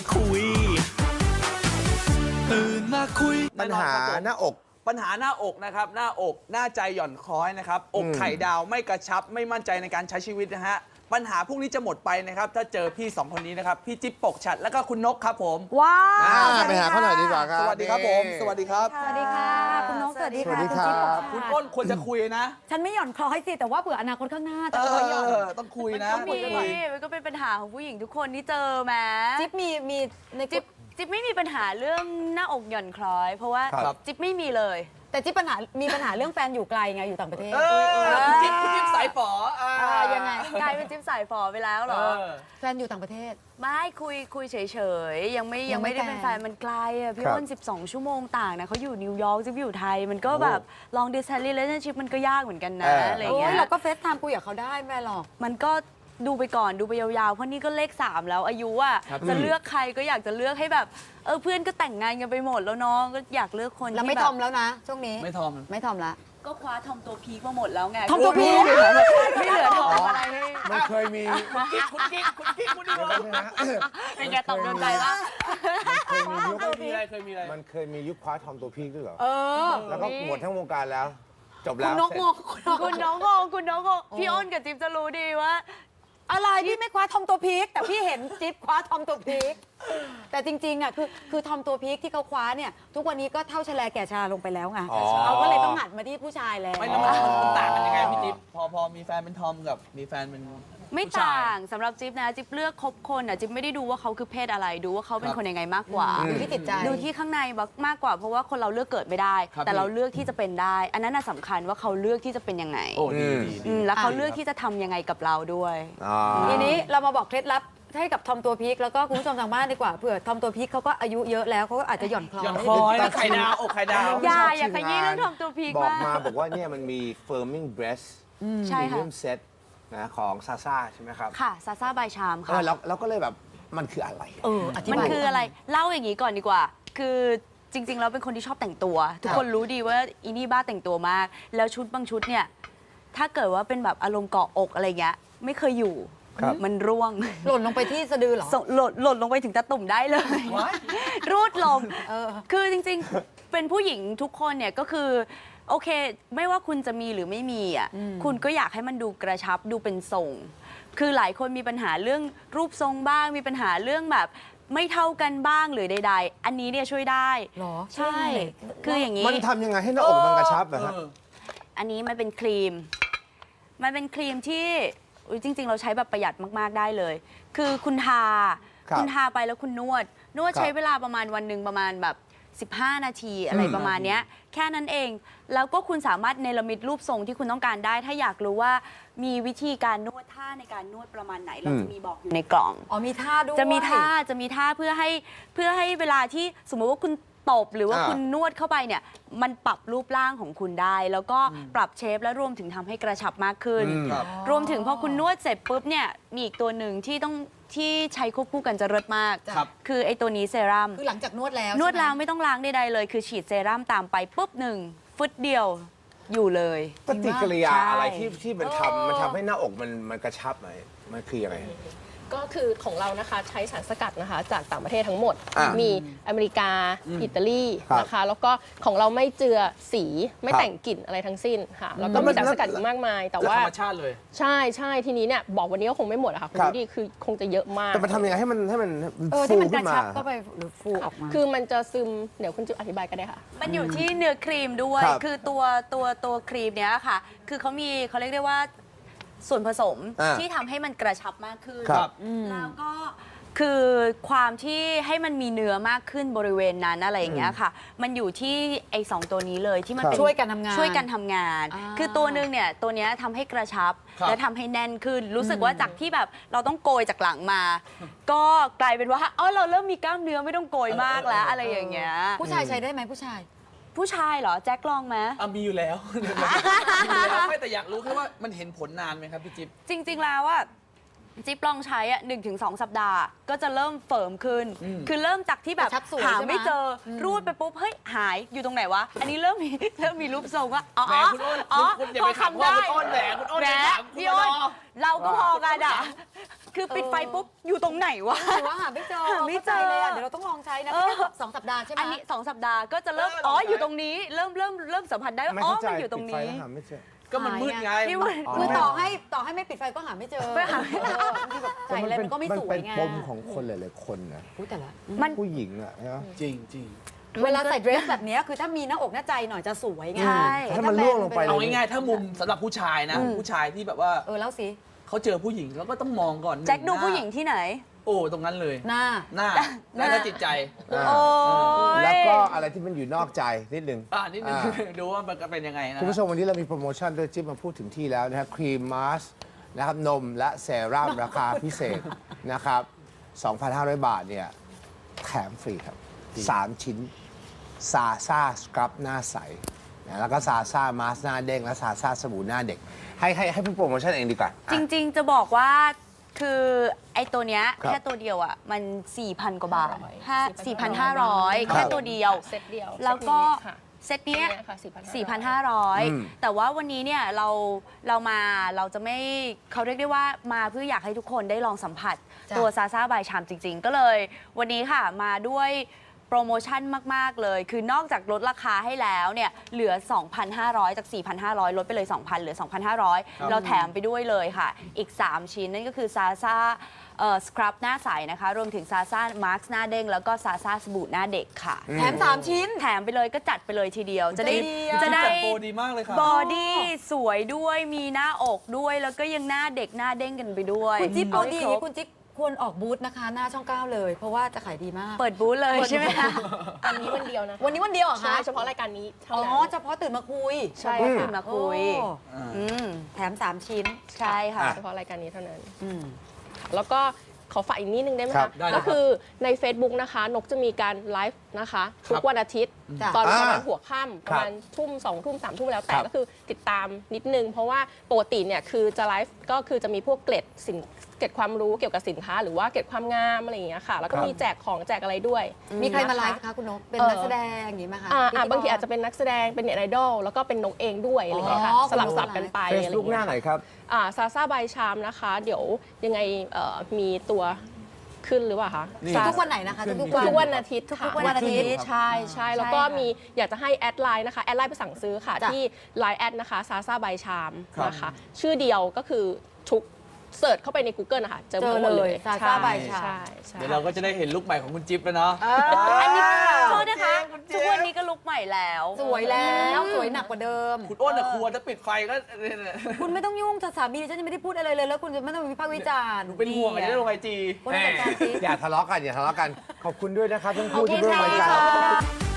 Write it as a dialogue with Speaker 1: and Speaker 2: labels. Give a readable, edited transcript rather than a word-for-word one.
Speaker 1: คุยตื่นมาคุย
Speaker 2: ปัญหาหน้าอก
Speaker 3: ปัญหาหน้าอกนะครับหน้าอกหน้าใจหย่อนคล้อยนะครับอกไข่ดาวไม่กระชับไม่มั่นใจในการใช้ชีวิตนะฮะปัญหาพวกนี้จะหมดไปนะครับถ้าเจอพี่สองคนนี้นะครับพี่จิ๊บปกฉัดแล้วก็คุณนกครับผม
Speaker 4: ว้าว
Speaker 2: ไปหาเขาหน่อยดีกว่าครับ
Speaker 3: สวัสดีครับผมสวัสดีครับ
Speaker 4: สวัสดีค่ะคุณนกสวัสดี
Speaker 2: สวั
Speaker 4: ค่ะ
Speaker 2: สดีครับ
Speaker 3: คุณอ้นควรจะคุยนะ
Speaker 4: ฉันไม่หย่อนคล้อยสิแต่ว่าเผื่ออนาคตข้างหน้าจะ
Speaker 3: เอ
Speaker 4: คอยหย่อน
Speaker 3: อต้องคุยนะ
Speaker 5: มันก็มีมันก็เป็นปัญหาของผู้หญิงทุกคนที่เจอแม้
Speaker 4: จิ๊บมีใน
Speaker 5: จิ๊บไม่มีปัญหาเรื่องหน้าอกหย่อนคล้อย เพราะว่า
Speaker 2: ครับ
Speaker 5: จิ๊บไม่มีเลย
Speaker 4: แต่จิ๊บมีปัญหาเรื่องแฟนอยู่ไกลไงอยู่ต่างประเทศ
Speaker 3: คุณจิ๊บสายฝอ
Speaker 4: ยังไง
Speaker 5: กลายเป็นจิ๊บสายฝอไปแล้วเหรอ
Speaker 4: แฟนอยู่ต่างประเทศ
Speaker 5: ไม่คุยเฉยๆยังไม่
Speaker 4: ยังไม่
Speaker 5: ได้เป็น
Speaker 4: แฟ
Speaker 5: แฟ
Speaker 4: น
Speaker 5: นมันไกลอ่ะพี่
Speaker 2: ครับ
Speaker 5: อ้น12 ชั่วโมงต่างนะเขาอยู่นิวยอร์กจิ๊บอยู่ไทย มันก็แบบลอง distance relationship มันก็ยากเหมือนกันนะอะไรอย่าง
Speaker 4: โอ้
Speaker 5: เงี้
Speaker 4: ย
Speaker 5: ย
Speaker 4: เราก็เฟซไทม์คุยกับเขาได้ไม่หรอก
Speaker 5: มันก็ดูไปก่อนดูไปยาวๆ เพราะนี่ก็เลข 3 แล้วอายุอ่ะจะเลือกใครก็อยากจะเลือกให้แบบเพื่อนก็แต่งงานกันไปหมดแล้วเนาะก็อยากเลือกคน
Speaker 4: แล้ว
Speaker 5: ที่
Speaker 4: ไม่
Speaker 5: แบ
Speaker 4: ทอบ มแล้วนะช่วงนี้
Speaker 3: ไม่ทอม
Speaker 4: ไม่ทอมละ
Speaker 5: ก็คว้าทอมตัวพีคมาหมดแล้วไง
Speaker 4: ทอมตัวพีค
Speaker 5: ไม่เหลือทอมอะไรให้
Speaker 2: มันเคยมี
Speaker 3: คุณกิ๊กคุณดีกว่า
Speaker 5: เป็นไงตอบโดนใจปะ
Speaker 2: เคยมียุค
Speaker 3: เคยมีอะไรเคยมีอะไร
Speaker 2: มันเคยมียุคคว้าทอมตัวพีคด้วยเหรอ
Speaker 4: เออ
Speaker 2: แล้วก็หมดทั้งวงการแล้ว จบ
Speaker 4: คุ
Speaker 2: แล้
Speaker 4: ณ
Speaker 2: วน
Speaker 4: กงง
Speaker 5: คุณน้องงงคุณน้องงงพี่อ้นกับจิ๊บจะรู้ดีว่า
Speaker 4: อะไรพี่ไม่คว้าทอมตัวพีคแต่พี่เห็นจิ๊บคว้าทอมตัวพีคแต่จริงๆอ่ะคือทอมตัวพีคที่เขาคว้าเนี่ยทุกวันนี้ก็เท่าชะแลแก่ชราลงไปแล้วไง
Speaker 2: อ๋อ
Speaker 4: เขาก็เลยต้องหันมาที่ผู้ชายแล้ว
Speaker 3: ไม่แล้วมันต่างกันยังไงพี่จิ๊บพอมีแฟนเป็นทอมกับมีแฟนเป็น
Speaker 5: ไม่
Speaker 3: ผู้ชย
Speaker 5: ต่างสำหรับจิ๊บนะจิ๊บเลือกคบคนอ่ะจิ๊บไม่ได้ดูว่าเขาคือเพศอะไรดูว่าเขาเป็นคนยังไงมากกว่า
Speaker 4: ดูที่จิตใจ
Speaker 5: ดูที่ข้างในมากกว่า เพราะว่าคนเราเลือกเกิดไม่ได้
Speaker 3: ครับ
Speaker 5: แต่เราเลือกที่จะเป็นได้ อันนั้นน่ะสำคัญว่าเขาเลือกที่จะเป็นยังไง
Speaker 3: โอ้ดีดี
Speaker 5: แล้วเขาเลือกที่จะทำยังไงกับเราด้วย
Speaker 2: อ๋อ
Speaker 4: ทีนี้เรามาบอกเคล็ดลับให้กับทอมตัวพีคแล้วก็คุณผู้ชมทางบ้านดีกว่าเผื่อทอมตัวพีคเขาก็อายุเยอะแล้วเขาก็อาจจะหย่อนคล้อย
Speaker 3: อย่างคล้อยนะไข่ดาวอกไข่ดาว
Speaker 5: อย่าขยี้เรื่องทอมตัวพีค
Speaker 2: บอก
Speaker 5: มาก
Speaker 2: มาบอกว่าเนี่ยมันมี firming breast
Speaker 5: ใช่ค่ะ
Speaker 2: premium set นะของซาซ่าใช่ไหมครับ
Speaker 5: ค่ะซาซาบายชามค่ะ
Speaker 2: แล้วก็เลยแบบมันคืออะไร
Speaker 4: อธิบาย
Speaker 5: มันคืออะไรเล่าอย่างนี้ก่อนดีกว่า คือจริงๆแล้วเป็นคนที่ชอบแต่งตัว ทุกคนรู้ดีว่าอีนี่บ้าแต่งตัวมาก แล้วชุดบางชุดเนี่ยถ้าเกิดว่าเป็นแบบอารมณ์เกาะอกอะไรเงี้ยไม่เคยอยู่
Speaker 2: ครับ
Speaker 5: มันร่วง
Speaker 4: หล่นลงไปที่สะดือเหรอ
Speaker 5: หล่นลงไปถึงตะตุ่มได้เลย รูดลง
Speaker 4: เออ
Speaker 5: คือจริงๆ เป็นผู้หญิงทุกคนเนี่ยก็คือโอเค ไม่ว่าคุณจะมีหรือไม่มีอ่ะคุณก็อยากให้มันดูกระชับดูเป็นทรง คือหลายคนมีปัญหาเรื่องรูปทรงบ้าง มีปัญหาเรื่องแบบไม่เท่ากันบ้างหรือใด ๆ อันนี้เนี่ยช่วยได้
Speaker 4: หรอ
Speaker 5: ใช่ คืออย่างนี้
Speaker 2: มันทำยังไงให้หน้าอกมันกระชับนะฮะ
Speaker 5: อันนี้มันเป็นครีม มันเป็นครีมที่อุ๊ยจริง ๆ เราใช้แบบประหยัดมาก ๆ ได้เลย คือคุณทา
Speaker 2: ครับ
Speaker 5: คุณทาไปแล้วคุณนวด
Speaker 2: ครับ
Speaker 5: ใช้เวลาประมาณวันหนึ่งประมาณแบบ 15 นาทีอะไรประมาณเนี้ย แค่นั้นเอง แล้วก็คุณสามารถเนรมิตรูปทรงที่คุณต้องการได้ ถ้าอยากรู้ว่ามีวิธีการนวดท่าในการนวดประมาณไหน เราจะมีบอกอยู่ในกล่อง
Speaker 4: อ๋อมีท่าด้วย
Speaker 5: จะมีท่าเพื่อให้เวลาที่สมมติว่าคุณตบหรือว่า
Speaker 2: อ่า
Speaker 5: คุณนวดเข้าไปเนี่ยมันปรับรูปร่างของคุณได้ แล้วก็ปรับเชฟและรวมถึงทำให้กระชับมากขึ้น
Speaker 3: ครับ
Speaker 5: รวมถึงพอคุณนวดเสร็จปุ๊บเนี่ยมีอีกตัวหนึ่งที่ใช้ควบคู่กันจะเลิศมาก
Speaker 3: ครับ
Speaker 5: คือไอตัวนี้เซรั่ม
Speaker 4: คือหลังจากนวดแล้ว
Speaker 5: นวด
Speaker 4: ใช่ไหม
Speaker 5: แล้วไม่ต้องล้างใดๆเลย คือฉีดเซรั่มตามไปปุ๊บหนึ่งฟึดเดียวอยู่เลย
Speaker 2: ปฏิกิริยา
Speaker 5: ใช่
Speaker 2: อะไรที่มันทำให้หน้าอกมันกระชับไหมมันคืออะไร
Speaker 6: ก็คือของเรานะคะใช้สารสกัดนะคะจากต่างประเทศทั้งหมด
Speaker 2: อ่ามี
Speaker 6: มีอเมริกา อิตาลี
Speaker 2: ครับ
Speaker 6: นะคะ แล้วก็ของเราไม่เจือสีไม่
Speaker 2: ครับ
Speaker 6: แต่งกลิ่นอะไรทั้งสิ้นค่ะ แล้วก็
Speaker 2: แล้วมั
Speaker 6: มี
Speaker 2: น
Speaker 6: สารสกัดอีกมากมาย แต่
Speaker 3: แล้ว
Speaker 6: ว่า
Speaker 3: ธรรมชาติเลย
Speaker 6: ใช่ทีนี้เนี่ยบอกวันนี้ก็คงไม่หมดอะค่ะคุณ
Speaker 2: ครับ
Speaker 6: ดูดิคือคงจะเยอะมาก
Speaker 2: แต่มันทำยังไงให้มัน
Speaker 4: ที่
Speaker 2: ฟู
Speaker 4: มันก
Speaker 2: ขึ้
Speaker 4: ระ
Speaker 2: นมา
Speaker 4: ชับเข้าไปหรือฟูออกมา
Speaker 6: คือมันจะซึมเดี๋ยวคุณจะอธิบายก็ได้ค่ะ
Speaker 5: มันอยู่ที่เนื้อครีมด้วย
Speaker 2: ครับ
Speaker 5: คือตัวครีมเนี้ยค่ะ คือเขาเรียกได้ว่าส่วนผสม
Speaker 2: อ่า
Speaker 5: ที่ทำให้มันกระชับมากขึ้น
Speaker 2: ครับ
Speaker 5: แล้วก็คือความที่ให้มันมีเนื้อมากขึ้นบริเวณนั้นอะไรอย่างเงี้ยค่ะ มันอยู่ที่ไอ้สองตัวนี้เลยที่มันเป็น
Speaker 4: ช่วยกันทำงาน
Speaker 5: ช่วยกันทำงาน
Speaker 4: อ่า
Speaker 5: คือตัวหนึงเนี่ยตัวเนี้ยทำให้กระชับ
Speaker 3: ครับ
Speaker 5: และทำให้แน่นขึ้น รู้สึกว่าจากที่แบบเราต้องโกยจากหลังมา ก็กลายเป็นว่าเราเริ่มมีกล้ามเนื้อไม่ต้องโกยมากแล้วอะไรอย่างเงี้ย
Speaker 4: ผู้ชายใช้ได้ไหมผู้ชาย
Speaker 5: ผู้ชายเหรอแจ็คลองไหม
Speaker 3: มีอยู่แล้วไม่แต่อยากรู้แค่ว่ามันเห็นผลนานไหมครับพี่จิ๊บ
Speaker 5: จริงๆแล้วว่าจิ๊บลองใช้อ่ะ1-2 สัปดาห์ ก็จะเริ่มเฟิร์มขึ้น คือเริ่มจากที่แบบ
Speaker 4: กระชับสวย
Speaker 5: หา
Speaker 4: ใช่ไหม
Speaker 5: ไม่เจออรูดไปปุ๊บเฮ้ยหายอยู่ตรงไหนวะ อันนี้เริ่มมีรูปทรงว่าอ๋อ
Speaker 3: แหมคุณอ้น
Speaker 5: อ๋อ
Speaker 3: คุณอย่า
Speaker 5: พ
Speaker 3: ไป
Speaker 5: อ
Speaker 3: ขับ
Speaker 5: ทำ
Speaker 3: ว่า
Speaker 5: ได้
Speaker 3: คุณอ้นแหมคุณอ้น
Speaker 5: แหม
Speaker 3: อย่าถามคุณ
Speaker 5: พี่อ้น
Speaker 3: รอ
Speaker 5: เราก็พอกันอ่ะคือปิดไฟปุ๊บอยู่ตรงไหนวะ
Speaker 4: หรือว่าหาไม่เจอ
Speaker 5: หาไม่เจอ
Speaker 4: ข้าใจเลยอะเดี๋ยวเราต้องลองใช้นะ
Speaker 5: เออ
Speaker 4: แค่2 สัปดาห์ใช่ไหม
Speaker 5: อันนี้2 สัปดาห์ก็จะเริ่ม
Speaker 3: เออ
Speaker 5: อ๋อ
Speaker 3: ลองใช้
Speaker 5: อยู่ตรงนี้เริ่มสัมผัสได้ว่า
Speaker 2: ไม่
Speaker 5: อ๋อ
Speaker 2: เข้าใจ
Speaker 5: มันอยู่ตรง
Speaker 2: ปิดไฟ
Speaker 5: นี้
Speaker 2: แล้วหาไม่เจอ
Speaker 3: ก็มันมืดไง
Speaker 5: พี่ว่า
Speaker 4: คือต่อให้ไม่ปิดไฟก็หาไม่เจอ
Speaker 5: ไม่หาไม่เจอ
Speaker 4: บางทีแบบใส่อะไรมันก็ไม่สวยไง
Speaker 2: มันเป็นปมของคนหลายๆคนนะ
Speaker 4: อุ๊ยแต่ละ
Speaker 5: มัน
Speaker 2: ผู้หญิงอะใช่ไหม
Speaker 3: จริงจริง
Speaker 4: เวลาใส่เดรสแบบเนี้ยคือถ้ามีหน้าอกหน้าใจหน่อยจะสวยไง
Speaker 5: ใช่
Speaker 2: ถ้ามันล่วงลงไป
Speaker 3: เอาง่ายๆถ้ามุมสำหรับผู้ชายนะ ผู้ชายที่แบบว่า
Speaker 4: แล้วสิ
Speaker 3: เขาเจอผู้หญิงแล้วก็ต้องมองก่อน
Speaker 5: แจ็คดู
Speaker 3: น้า
Speaker 5: ผู้หญิงที่ไหน
Speaker 3: โอ้ตรงนั้นเลย
Speaker 4: หน้า
Speaker 3: หน้าแล้วก็จิตใจ
Speaker 2: อ่า
Speaker 5: โอ้ย
Speaker 2: แล้วก็อะไรที่มันอยู่นอกใจนิดนึง
Speaker 3: นิดนึง
Speaker 2: อ่า
Speaker 3: ดูว่ามันเป็นยังไงนะ
Speaker 2: คุณผู้ชมวันนี้เรามีโปรโมชั่นด้วยจิ๊บมาพูดถึงที่แล้วนะครับครีมมาสนะครับนมและเซรั่มราคาพิเศษนะครับ 2,500 บาทเนี่ยแถมฟรีครับ 3 ชิ้นซาซ่าสครับหน้าใสนะแล้วก็ซาซ่ามาสหน้าเด้งและซาซ่าสบู่หน้าเด็ก ให้พูดโปรโมชั่นเองดีกว่า
Speaker 5: จริงๆ จะบอกว่าคือไอ้ตัวเนี้ย
Speaker 2: ครับ
Speaker 5: แค่ตัวเดียวอ่ะมัน 4,000 กว่าบาท
Speaker 6: 4,500
Speaker 5: 4,500 แค่ตัวเดียว
Speaker 6: เซตเดียว
Speaker 5: แล้วก็
Speaker 6: เซตนี้ค่ะ
Speaker 5: เซตเนี้ย
Speaker 6: ค่ะ
Speaker 2: อืม
Speaker 5: 4,500 แต่ว่าวันนี้เนี่ยเราจะไม่เขาเรียกได้ว่ามาเพื่ออยากให้ทุกคนได้ลองสัมผัส
Speaker 4: จ้ะ
Speaker 5: ตัวซาซาบายชามจริง ๆ ก็เลย วันนี้ค่ะมาด้วยโปรโมชั่นมาก ๆ เลย คือนอกจากลดราคาให้แล้วเนี่ยเหลือ 2,500 จาก 4,500 ลดไปเลย 2,000 เหลือ 2,500 เราแถมไปด้วยเลยค่ะ อีก 3 ชิ้นนั่นก็คือซาซาสครับหน้าใสนะคะ รวมถึงซาซามาร์คหน้าเด้งแล้วก็ซาซาสบู่หน้าเด็กค่ะ
Speaker 4: แถม3 ชิ้น
Speaker 5: แถมไปเลยก็จัดไปเลยทีเดียว จะได้
Speaker 4: ใจดีอะ
Speaker 5: จะได้
Speaker 3: จัดโปรดีมากเลยครับ
Speaker 5: บอดี้สวยด้วยมีหน้าอกด้วย แล้วก็ยังหน้าเด็กหน้าเด้งกันไปด้วย
Speaker 4: คุณจิ๊บ
Speaker 5: เอา
Speaker 4: เอา
Speaker 5: ให้
Speaker 4: ดี
Speaker 5: ครบ
Speaker 4: คุณจิ๊บควรออกบูธนะคะ หน้าช่อง 9 เลย เพราะว่าจะขายดีมาก
Speaker 5: เปิดบูธเลยใช่ไหมคะ
Speaker 6: วันนี้วันเดียวนะคะ
Speaker 4: วันนี้วันเดียวเหรอ
Speaker 6: ใช่
Speaker 4: คะ
Speaker 6: เฉพาะรายการนี้เท่า
Speaker 4: อ๋อ
Speaker 6: นั้น
Speaker 4: เฉพาะตื่นมาคุย
Speaker 6: ใช่
Speaker 5: ตื่
Speaker 6: ค่ะ
Speaker 5: นมาคุย
Speaker 4: โอ้
Speaker 5: อืม
Speaker 4: แถม 3 ชิ้น
Speaker 5: ใช่ค่ะ
Speaker 6: เฉพาะรายการนี้เท่านั้น
Speaker 4: อืม
Speaker 6: แล้วก็ขอฝากอีกนิดนึงได้ไหม
Speaker 2: ครั
Speaker 6: คะ
Speaker 2: บ
Speaker 3: ได้เลยครับ
Speaker 6: ก็คือใน Facebook นะคะ นกจะมีการไลฟ์นะคะ ทุกวันอาทิตย์
Speaker 4: จ้ะ
Speaker 6: ตอนประมาณ
Speaker 2: อ่า
Speaker 6: หัวค่ำประมาณทุ่ม2 ทุ่ม3 ทุ่มแล้วแต่
Speaker 2: ครับ
Speaker 6: ก็คือติดตามนิดนึง เพราะว่าปกติเนี่ยคือจะไลฟ์ก็คือจะมีพวกเกร็ดความรู้เกี่ยวกับสินค้า หรือว่าเกร็ดความงามอะไรอย่างเงี้ยค่ะ แล้วก็มีแจกของแจกอะไรด้วย
Speaker 4: มีใครมา
Speaker 6: นะคะ
Speaker 4: ไลฟ์คะคุณนก เป็นนักแสดงอย่างนี้ไหมคะ
Speaker 6: บางทีอาจจะเป็นนักแสดงเป็นเน็ตไอดอลแล้วก็เป็นนกเองด้วยอะไรอย่างเงี้ยค่ะ
Speaker 4: อ๋อ
Speaker 6: สลับกันไป
Speaker 2: เฟ
Speaker 6: อะไร
Speaker 2: ซ
Speaker 6: อย่าง
Speaker 2: บุ๊กห
Speaker 6: เงี้
Speaker 2: น้าย ไหนครับ
Speaker 6: ซาซาบายชามนะคะ เดี๋ยวยังไงมีตัวขึ้นหรือเปล่าคะ
Speaker 2: นี่
Speaker 6: Sasa
Speaker 4: ทุกวันไหนนะคะ
Speaker 2: ขึ้น
Speaker 4: ทุกๆ
Speaker 6: ทุ
Speaker 4: วัน
Speaker 6: กวันอาทิตย์ค่ะ
Speaker 4: ทุกวันอาทิตย์
Speaker 6: ใช่ใช่แล้วก็
Speaker 5: ใช่ค่ะ
Speaker 6: มีอยากจะให้แอดไลน์นะคะแอดไลน์ไปสั่งซื้อค่ะ
Speaker 4: จ้ะ
Speaker 6: ที่ Line แอดนะคะซาซาบายชาม
Speaker 3: ครับ
Speaker 6: นะคะชื่อเดียวก็คือทุกเสิร์ชเข้าไปใน Google นะคะเจอหมดเลย
Speaker 4: เจอเลย Sasa by Charm
Speaker 6: ใช่ใช่
Speaker 3: เดี๋ยวเราก็จะได้เห็นลุคใหม่ของคุณจิ๊บแล้วเนาะ
Speaker 5: อันนี้โทษนะคะทุกวันนี้ก็ลุกใหม่แล้ว
Speaker 4: สวยแล้ว สวยหนักกว่าเดิม
Speaker 3: คุณอ้นอะครัวจะปิดไฟก็
Speaker 4: คุณไม่ต้องยุ่งสามีฉันยังไม่ได้พูดอะไรเลย แล้วคุณจะไม่ต้องวิพากษ์วิจารณ์
Speaker 3: หนูเป็นห่วงอะไรลงไอจี
Speaker 4: วันนี้จัดการสิ
Speaker 2: อย่าทะเลาะกันอย่าทะเลาะกัน ขอบคุณด้วยนะครับทั้งคู่
Speaker 4: ขอบคุ
Speaker 2: ที่
Speaker 4: ณ
Speaker 2: ร่วมรายการ
Speaker 4: ค่ะ